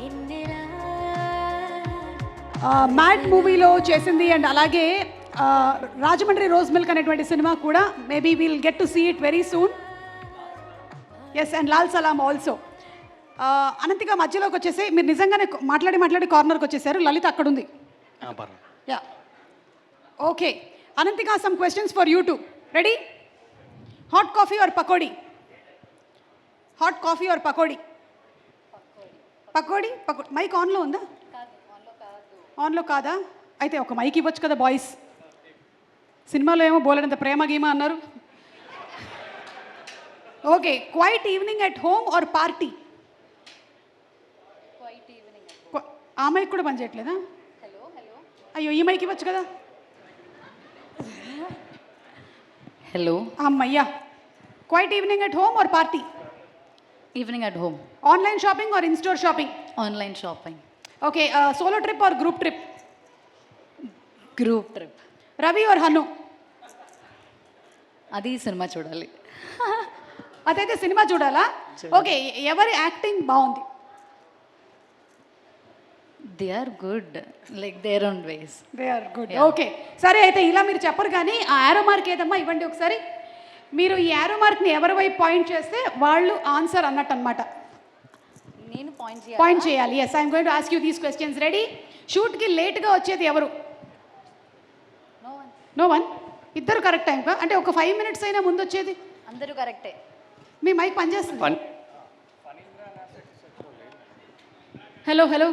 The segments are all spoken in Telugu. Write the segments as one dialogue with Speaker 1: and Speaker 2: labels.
Speaker 1: మ్యాడ్ మూవీలో చేసింది అండ్ అలాగే రాజమండ్రి రోజ్ మిల్క్ అనేటువంటి సినిమా కూడా maybe will get to see it very soon. Yes, and Lal Salaam also. Ananthika మధ్యలోకి వచ్చేసి మీరు నిజంగానే మాట్లాడి కార్నర్కి వచ్చేసారు. లలిత అక్కడ ఉంది. Yeah, okay. Ananthika some questions for you too. Ready? Hot coffee or pakodi? Hot coffee or pakodi? Pakodi. Mic ఆన్లో ఉందా? ఆన్లో కాదా? అయితే ఒక మైక్ ఇవ్వచ్చు కదా బాయ్స్. సినిమాలో ఏమో బోలెడంత ప్రేమ గీమా అన్నారు. Okay, quiet evening at home or party? ఆ మైక్ కూడా పనిచేయట్లేదా? అయ్యో, ఈ మైక్ ఇవ్వచ్చు కదా.
Speaker 2: హలో
Speaker 1: అమ్మయ్యా. Quiet evening at home or party?
Speaker 2: Evening at home.
Speaker 1: Online shopping or in store shopping?
Speaker 2: Online shopping.
Speaker 1: Okay, solo trip or group trip?
Speaker 2: Group trip.
Speaker 1: Ravi or Hanu?
Speaker 2: అది సినిమా చూడాలి.
Speaker 1: అదైతే సినిమా చూడాలా? ఓకే, ఎవరి యాక్టింగ్ బాగుంది?
Speaker 2: They are good, like their own ways.
Speaker 1: They are good. Okay, సరే. అయితే ఇలా మీరు చెప్పరు కానీ ఆ యారో మార్క్ ఏదమ్మా ఇవ్వండి ఒకసారి. మీరు ఈ యారో మార్క్ని ఎవరి వైపు పాయింట్ చేస్తే వాళ్ళు ఆన్సర్ అన్నట్టు అనమాట.
Speaker 2: నేను
Speaker 1: పాయింట్ చేయాలి. Yes, I'm going to ask you these questions. Ready? షూట్కి లేట్గా వచ్చేది ఎవరు? No one. ఇద్దరు కరెక్ట్ టైంకా? అంటే ఒక 5 minutes అయినా ముందు వచ్చేది?
Speaker 2: అందరూ కరెక్టే.
Speaker 1: మీ మైక్ పనిచేస్తుంది? Hello hello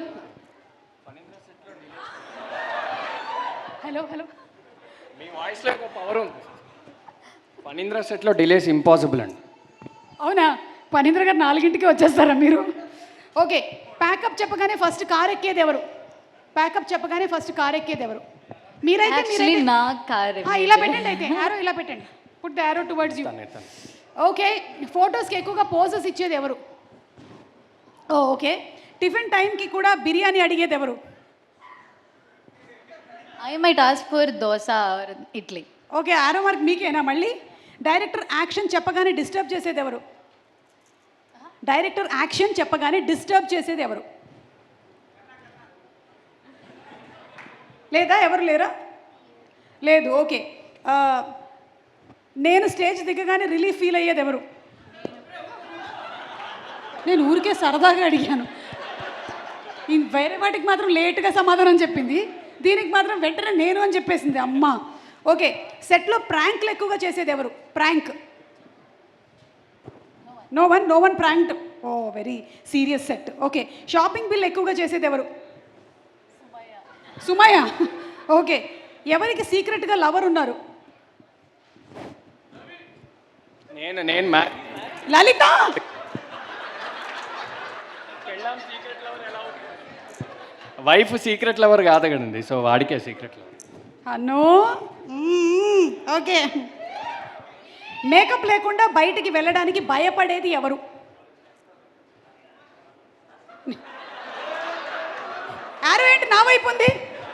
Speaker 1: hello hello.
Speaker 3: మీ వాయిస్లో ఒక పవర్ ఉంది. ఫణీంద్ర సెట్లో డిలేస్ ఇంపాసిబుల్ అండి.
Speaker 1: అవునా? ఫణీంద్ర గారు 4ంటికి వచ్చేస్తారా మీరు? ఓకే, ప్యాకప్ చెప్పగానే ఫస్ట్ కార్ ఎక్కేది ఎవరు? ప్యాకప్ చెప్పగానే ఫస్ట్ కార్ ఎక్కేది ఎవరు? మీరైతే
Speaker 2: నా కార్.
Speaker 1: ఇలా పెట్టండి. అయితే యారో ఇలా పెట్టండి. Put the arrow towards you. Okay, ఫొటోస్కి ఎక్కువగా పోజెస్ ఇచ్చేది ఎవరు? ఓకే, టిఫిన్ టైంకి కూడా బిర్యానీ అడిగేది ఎవరు?
Speaker 2: I might ask for dosa or idli.
Speaker 1: Okay, arrow mark మీకేనా మళ్ళీ? డైరెక్టర్ యాక్షన్ చెప్పగానే డిస్టర్బ్ చేసేది ఎవరు? డైరెక్టర్ యాక్షన్ చెప్పగానే డిస్టర్బ్ చేసేది ఎవరు? లేదా? ఎవరు లేరా? లేదు. ఓకే, నేను స్టేజ్ దిగగానే రిలీఫ్ ఫీల్ అయ్యేది ఎవరు? నేను ఊరికే సరదాగా అడిగాను. వేరే వాటికి మాత్రం లేట్గా సమాధానం చెప్పింది, దీనికి మాత్రం వెంటనే నేను అని చెప్పేసింది అమ్మ. ఓకే, సెట్లో ప్రాంక్లు ఎక్కువగా చేసేది ఎవరు? Prank. No one prank. Oh, very serious set. Okay, shopping bill ఎక్కువగా చేసేది ఎవరు? సుమయ్య. ఓకే, ఎవరికి సీక్రెట్గా లవర్ ఉన్నారు?
Speaker 3: నేను
Speaker 1: లలిత.
Speaker 3: వైఫ్ సీక్రెట్ లవర్ కాదు కదండి, సో వాడికే సీక్రెట్ లవర్.
Speaker 1: అన్నో. ఓకే, మేకప్ లేకుండా బయటికి వెళ్ళడానికి భయపడేది ఎవరు? యారో ఏంటి నా వైపు ఉంది?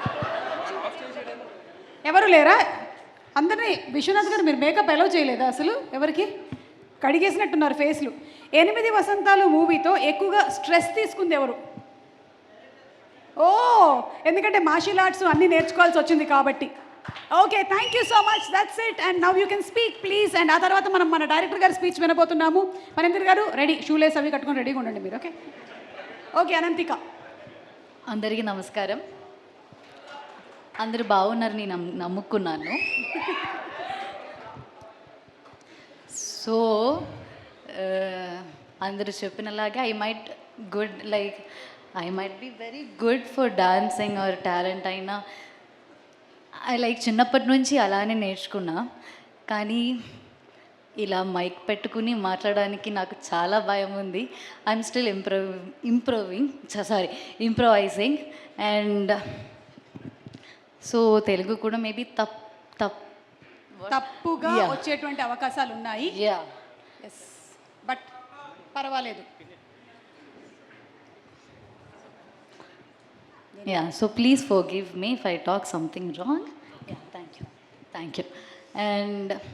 Speaker 1: ఎవరు లేరా? అందరినీ విశ్వనాథ్ గారు మీరు మేకప్ ఎలా చేయలేదా అసలు? ఎవరికి కడిగేసినట్టున్నారు ఫేస్లు. 8 వసంతాలు మూవీతో ఎక్కువగా స్ట్రెస్ తీసుకుంది ఎవరు? ఓ, ఎందుకంటే మార్షల్ ఆర్ట్స్ అన్నీ నేర్చుకోవాల్సి వచ్చింది కాబట్టి. Okay, thank you so much. That's it. And now you can speak please. And ఆ తర్వాత మనం మన డైరెక్టర్ గారి స్పీచ్ వినబోతున్నాము. ఫణీంద్ర గారు రెడీ, షూలేస్ అవి కట్టుకొని రెడీగా ఉండండి మీరు. Okay okay. అనంతిక.
Speaker 2: అందరికీ నమస్కారం. అందరూ బాగున్నారు, నేను నమ్ముకున్నాను. సో అందరూ చెప్పినలాగా I might be very good for dancing or talent అయినా. చిన్నప్పటి నుంచి అలానే నేర్చుకున్నా, కానీ ఇలా మైక్ పెట్టుకుని మాట్లాడడానికి నాకు చాలా భయం ఉంది. I'm still improvising. And so Telugu కూడా మేబీ
Speaker 1: తప్పుగా వచ్చేటువంటి అవకాశాలు ఉన్నాయి. ఎస్, బట్ పర్వాలేదు.
Speaker 2: So please forgive me if I talk something wrong. Thank you. And